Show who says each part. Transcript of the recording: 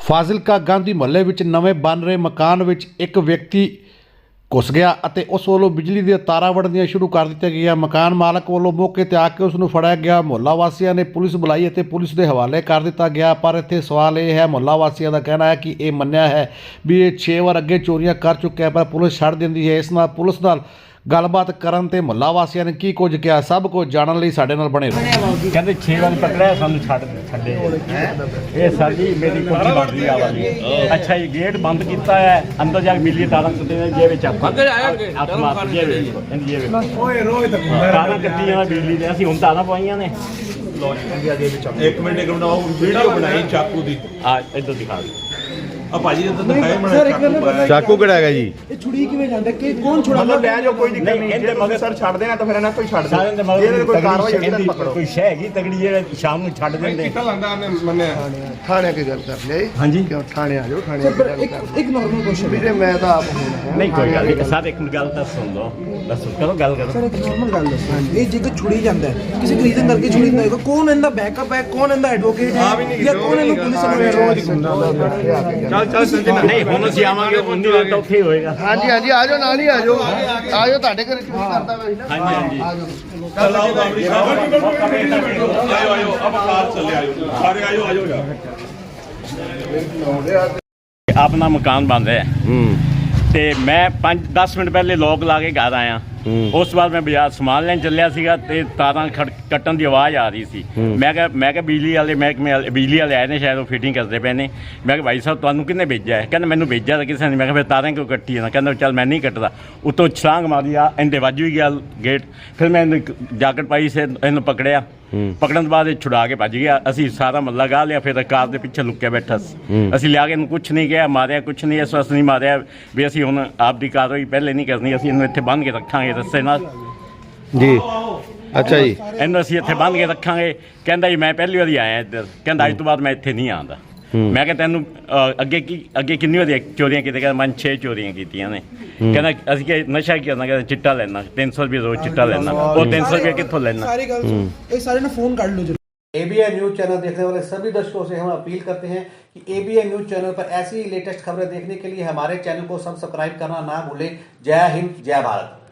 Speaker 1: ਫਾਜ਼ਿਲਕਾ ਗਾਂਧੀ ਮੁਹੱਲੇ ਵਿੱਚ ਨਵੇਂ ਬਣ ਰਹੇ ਮਕਾਨ ਵਿੱਚ ਇੱਕ ਵਿਅਕਤੀ ਘੁਸ ਗਿਆ ਅਤੇ ਉਸ ਵੱਲੋਂ ਬਿਜਲੀ ਦੀਆਂ ਤਾਰਾਂ ਵੜਨੀਆਂ ਸ਼ੁਰੂ ਕਰ ਦਿੱਤੀਆਂ ਗਈਆਂ। ਮਕਾਨ ਮਾਲਕ ਵੱਲੋਂ ਮੌਕੇ ਤੇ ਆ ਕੇ ਉਸ ਨੂੰ ਫੜਿਆ ਗਿਆ। ਮੁਹੱਲਾ ਵਾਸੀਆਂ ਨੇ ਪੁਲਿਸ ਬੁਲਾਈ ਅਤੇ ਪੁਲਿਸ ਦੇ ਹਵਾਲੇ ਕਰ ਦਿੱਤਾ ਗਿਆ। ਪਰ ਇੱਥੇ ਸਵਾਲ ਇਹ ਹੈ, ਮੁਹੱਲਾ ਵਾਸੀਆਂ ਦਾ ਕਹਿਣਾ ਹੈ ਕਿ ਇਹ ਮੰਨਿਆ ਹੈ ਵੀ ਇਹ 6 ਵਾਰ ਅੱਗੇ ਚੋਰੀਆਂ ਕਰ ਚੁੱਕਿਆ, ਪਰ ਪੁਲਿਸ ਛੱਡ ਦਿੰਦੀ ਹੈ। ਇਸ ਨਾਲ ਪੁਲਿਸ ਨਾਲ ਗੱਲਬਾਤ ਕਰਨ ਤੇ ਮੁਹੱਲਾ ਵਾਸੀਆਂ ਨੇ ਕੀ ਕੁਝ ਕਿਹਾ, ਸਭ ਕੁਝ ਜਾਣਨ ਲਈ ਸਾਡੇ ਨਾਲ ਬਣੇ ਰਹੋ।
Speaker 2: ਕਹਿੰਦੇ 6 ਵਾਰ ਪਕੜਿਆ, ਸਾਨੂੰ ਛੱਡੇ ਇਹ ਸਾਡੀ ਮੇਰੀ ਕੋਠੀ ਬਣ ਰਹੀ ਆ ਵਾਲੀ। ਅੱਛਾ ਜੀ, ਗੇਟ ਬੰਦ ਕੀਤਾ ਹੈ, ਅੰਦਰ ਜਾ ਕੇ ਮਿਲੀ ਤਾਰਾਂ ਕੱਟੇ ਨੇ ਜੇ ਵਿੱਚ ਅੰਦਰ ਆਇਆ ਮਾਰ ਜੇ ਓਏ ਰੋਏ ਤਾਰਾਂ ਕੱਟੀਆਂ ਬਿਜਲੀ ਦੇ। ਅਸੀਂ ਹੁਣ ਤਾਰਾਂ ਪਵਾਈਆਂ ਨੇ।
Speaker 3: ਇੱਕ ਮਿੰਟ ਬਣਾਓ, ਵੀਡੀਓ ਬਣਾਈ ਚਾਕੂ ਦੀ।
Speaker 2: ਆ ਇੱਧਰ ਦਿਖਾ ਦਿਓ।
Speaker 3: ਆ ਭਾਜੀ ਇੱਧਰ ਦਿਖਾਏ ਮਣਾ
Speaker 4: ਚਾਕੂ ਕਿਹੜਾ ਹੈਗਾ ਜੀ?
Speaker 5: ਇਹ ਛੁੜੀ ਕਿਵੇਂ ਜਾਂਦਾ ਕਿ ਕੌਣ ਛੁੜਾਉਂਦਾ?
Speaker 3: ਮਤਲਬ ਲੈ ਜਾਓ, ਕੋਈ ਦਿੱਕਤ ਨਹੀਂ। ਇਹਦੇ ਮਗਰ ਸਰ ਛੱਡ ਦੇਣਾ ਤਾਂ ਫਿਰ ਇਹਨਾਂ ਕੋਈ ਛੱਡ
Speaker 2: ਸਾਰਿਆਂ ਦੇ
Speaker 3: ਦੇ। ਇਹਦੇ ਕੋਈ ਕਾਰਵਾਈ
Speaker 2: ਕਹਿੰਦੀ
Speaker 3: ਪਕੜੋ।
Speaker 2: ਕੋਈ ਸ਼ੈ ਹੈਗੀ ਤਗੜੀ ਜਿਹੜੇ ਸ਼ਾਮ ਨੂੰ ਛੱਡ ਦਿੰਦੇ।
Speaker 4: ਥਾਣੇ ਕੀ ਗੱਲ ਕਰ ਲਈ?
Speaker 2: ਹਾਂਜੀ
Speaker 4: ਕਿਉਂ ਥਾਣੇ ਆ ਜਾਓ, ਥਾਣੇ ਕੀ ਗੱਲ ਕਰ।
Speaker 5: ਇੱਕ ਨਾਰਮਲ ਕੁਐਸਚਨ
Speaker 4: ਵੀਰੇ ਮੈਂ ਤਾਂ ਆਪ ਹੁਣ
Speaker 2: ਨਹੀਂ ਕੋਈ ਗੱਲ ਨਹੀਂ। ਸਾਰੇ ਇੱਕ ਗੱਲ ਤਾਂ ਸੁਣ ਲਓ, ਦੱਸੋ ਕਰੋ ਗੱਲ ਕਰੋ।
Speaker 5: ਸਰ ਇੱਕ ਨਾਰਮਲ ਗੱਲ ਦੱਸੋ, ਇਹ ਜੇਕਰ ਛੁੜੀ ਜਾਂਦਾ ਹੈ ਕਿਸੇ ਰੀਜ਼ਨ ਕਰਕੇ ਛੁੜੀ ਜਾਂਦਾ ਹੋਏਗਾ, ਕੌਣ ਇਹਦਾ ਬੈਕਅਪ ਹੈ, ਕੌਣ ਇਹਦਾ ਐਡਵੋਕੇਟ ਹੈ ਜਾਂ ਕੌਣ ਇਹਨੂੰ ਪੁਲਿਸ ਨੂੰ
Speaker 3: ਚੱਲ ਸੰਜਨਾ
Speaker 2: ਨਹੀਂ ਹੁਣ ਅਸੀਂ ਆਵਾਂਗੇ, ਉਨੀ ਵਾਰ ਤਾਂ ਉੱਥੇ ਹੀ ਹੋਏਗਾ।
Speaker 4: ਹਾਂਜੀ ਹਾਂਜੀ ਆ ਜਾਓ, ਨਾਲ ਹੀ ਆ ਜਾਓ, ਆ ਜਾਓ, ਤੁਹਾਡੇ ਘਰੇ ਚੋਰੀ ਕਰਦਾ ਮੈਂ ਨਾ।
Speaker 2: ਹਾਂਜੀ
Speaker 4: ਆ ਜਾਓ।
Speaker 3: ਚੱਲ ਆਓ ਬਾਬਰੀ ਸਾਹਿਬ, ਆਇਓ ਅਬ ਕਾਰ ਚੱਲੇ, ਆਇਓ ਸਾਰੇ, ਆਇਓ ਯਾਰ।
Speaker 2: ਆਪਣਾ ਮਕਾਨ ਬਣ ਰਿਹਾ ਤੇ ਮੈਂ 5-10 ਮਿੰਟ ਪਹਿਲੇ ਲੋਕ ਲਾ ਕੇ ਘਰ ਆਇਆ। ਉਸ ਤੋਂ ਬਾਅਦ ਮੈਂ ਬਾਜ਼ਾਰ ਸਮਾਨ ਲੈਣ ਚੱਲਿਆ ਸੀਗਾ ਤੇ ਤਾਰਾਂ ਕੱਟਣ ਦੀ ਆਵਾਜ਼ ਆ ਰਹੀ ਸੀ। ਮੈਂ ਕਿਹਾ ਬਿਜਲੀ ਵਾਲੇ ਮਹਿਕਮੇ ਵਾਲੇ, ਬਿਜਲੀ ਵਾਲੇ ਆਏ ਨੇ, ਸ਼ਾਇਦ ਉਹ ਫਿਟਿੰਗ ਕਰਦੇ ਪਏ ਨੇ। ਮੈਂ ਕਿਹਾ ਭਾਈ ਸਾਹਿਬ ਤੁਹਾਨੂੰ ਕਿਹਨੇ ਭੇਜਿਆ ਹੈ? ਕਹਿੰਦਾ ਮੈਨੂੰ ਭੇਜਿਆ ਤਾਂ ਕਿਸੇ ਨੇ। ਮੈਂ ਕਿਹਾ ਫਿਰ ਤਾਰਾਂ ਕਿਉਂ ਕੱਟੀ ਨਾ? ਕਹਿੰਦਾ ਚੱਲ ਮੈਂ ਨਹੀਂ ਕੱਟਦਾ। ਉੱਤੋਂ ਛਲਾਂਗ ਮਾਰੀ ਆ, ਇਹਦੇ ਵੱਜ ਵੀ ਗਿਆ ਗੇਟ। ਫਿਰ ਮੈਂ ਇਹਨੂੰ ਜਾਕਟ ਪਾਈ ਸੀ, ਇਹਨੂੰ ਪਕੜਿਆ। ਪਕੜਨ ਤੋਂ ਬਾਅਦ ਇਹ ਛੁਡਾ ਕੇ ਭੱਜ ਗਿਆ। ਅਸੀਂ ਸਾਰਾ ਮੱਲਾ ਗਾ ਲਿਆ, ਫਿਰ ਕਾਰ ਦੇ ਪਿੱਛੇ ਲੁੱਕਿਆ ਬੈਠਾ ਸੀ। ਅਸੀਂ ਲਿਆ ਕੇ ਇਹਨੂੰ ਕੁਛ ਨਹੀਂ ਕਿਹਾ, ਮਾਰਿਆ ਕੁਛ ਨਹੀਂ, ਇਸ ਵਾਸਤੇ ਨਹੀਂ ਮਾਰਿਆ ਵੀ ਅਸੀਂ ਹੁਣ ਆਪਦੀ ਕਾਰਵਾਈ ਪਹਿਲੇ ਨਹੀਂ ਕਰਨੀ, ਅਸੀਂ ਇਹਨੂੰ ਇੱਥੇ ਬੰਨ੍ਹ ਕੇ ਰੱਖਾਂਗੇ ਰੱਸੇ ਨਾਲ
Speaker 4: ਜੀ। ਅੱਛਾ ਜੀ,
Speaker 2: ਇਹਨੂੰ ਅਸੀਂ ਇੱਥੇ ਬੰਨ੍ਹ ਕੇ ਰੱਖਾਂਗੇ। ਕਹਿੰਦਾ ਜੀ ਮੈਂ ਪਹਿਲੀ ਵਾਰੀ ਆਇਆ ਇੱਧਰ, ਕਹਿੰਦਾ ਅੱਜ ਤੋਂ ਬਾਅਦ ਮੈਂ ਇੱਥੇ ਨਹੀਂ ਆਉਂਦਾ। ਮੈਂ ਕਿਹਾ ਤੈਨੂੰ ਅੱਗੇ ਕਿੰਨੀ ਵਾਰੀ ਚੋਰੀਆਂ ਕੀਤੀਆਂ? ਕਹਿੰਦਾ ਮੈਂ 6 ਚੋਰੀਆਂ ਕੀਤੀਆਂ ਨੇ। ਕਹਿੰਦਾ ਅਸੀਂ ਕਿ ਨਸ਼ਾ ਕੀ ਕਰਨਾ? ਕਹਿੰਦਾ ਚਿੱਟਾ ਲੈਣਾ, 300 ਰੁਪਏ ਰੋਜ਼ ਚਿੱਟਾ ਲੈਣਾ। ਉਹ 300 रुपये कितों लेना?
Speaker 5: सारी गल ये सारे ना फोन कर लो।
Speaker 1: ABN न्यूज़ चैनल देखने वाले सभी दर्शकों से हम अपील करते हैं कि ABN न्यूज़ चैनल पर ऐसी ही लेटेस्ट खबरें देखने के लिए हमारे चैनल को सब्सक्राइब करना ना भूलें। जय हिंद, जय भारत।